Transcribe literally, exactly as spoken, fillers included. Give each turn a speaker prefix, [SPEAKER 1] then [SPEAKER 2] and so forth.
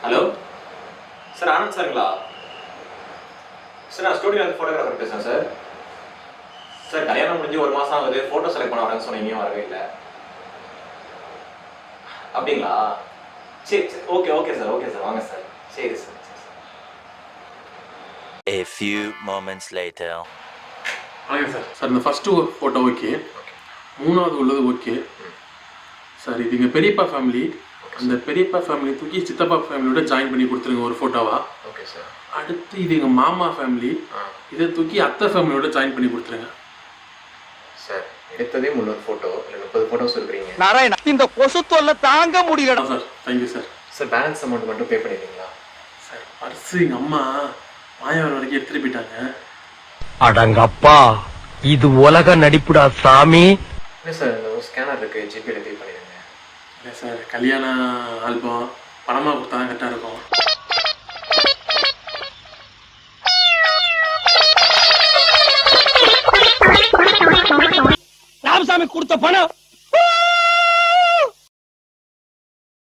[SPEAKER 1] Hello sir, Anand சாருங்களா? Sir, நான் ஸ்டூடியோவில் ஃபோட்டோகிராஃபர் பேசுகிறேன் சார். சார், கல்யாணம் முடிஞ்சு ஒரு மாதம் ஆகுது, ஃபோட்டோ செலக்ட் பண்ண வரேன்னு சொன்னீங்க, வரவே இல்லை. அப்படிங்களா? சரி சரி, okay okay sir, okay sir, வாங்க சார். சரி sir.
[SPEAKER 2] A few moments later.
[SPEAKER 3] வணக்கம் சார். சார், இந்த ஃபஸ்ட்டு ஃபோட்டோ ஓகே, மூணாவது உள்ளது ஓகே சார். இது எங்கள் பெரியப்பா ஃபேமிலி. அந்த பெரியப்பா ஃபேமிலி தூக்கி சித்தப்பா ஃபேமிலியோட ஜாயின் பண்ணி கொடுத்துருங்க ஒரு ஃபோட்டோவா.
[SPEAKER 1] Okay sir.
[SPEAKER 3] அடுத்து இது எங்கள் மாமா ஃபேமிலி, இதை தூக்கி அத்தை ஃபேமிலியோட ஜாயின் பண்ணி கொடுத்துருங்க
[SPEAKER 1] சார். எடுத்ததே முன்னூறு ஃபோட்டோ இல்லை முப்பது ஃபோட்டோஸ் இருக்கிறீங்க.
[SPEAKER 4] நாராயணா, இந்த கொசு தொல்லை தாங்க முடியல
[SPEAKER 3] sir. Thank you sir.
[SPEAKER 1] Sir, balance amount மட்டும் பே பண்ணிடுறீங்களா?
[SPEAKER 3] சார், பர்ஸு எங்கள் அம்மா மாயாவரம் வரைக்கும் எடுத்துகிட்டு போயிட்டாங்க.
[SPEAKER 4] அடங்கப்பா, இது உலக நடிப்புடா சாமி.
[SPEAKER 1] இல்லை சார், இந்த ஒரு ஸ்கேனர் இருக்குது, ஜிபேல பே பண்ணிடுங்க.
[SPEAKER 3] இல்லை சார், கல்யாண ஆல்பம் பணமாக கொடுத்தா தான் கரெக்டாக இருக்கும்.
[SPEAKER 4] ராமசாமி கொடுத்த பணம்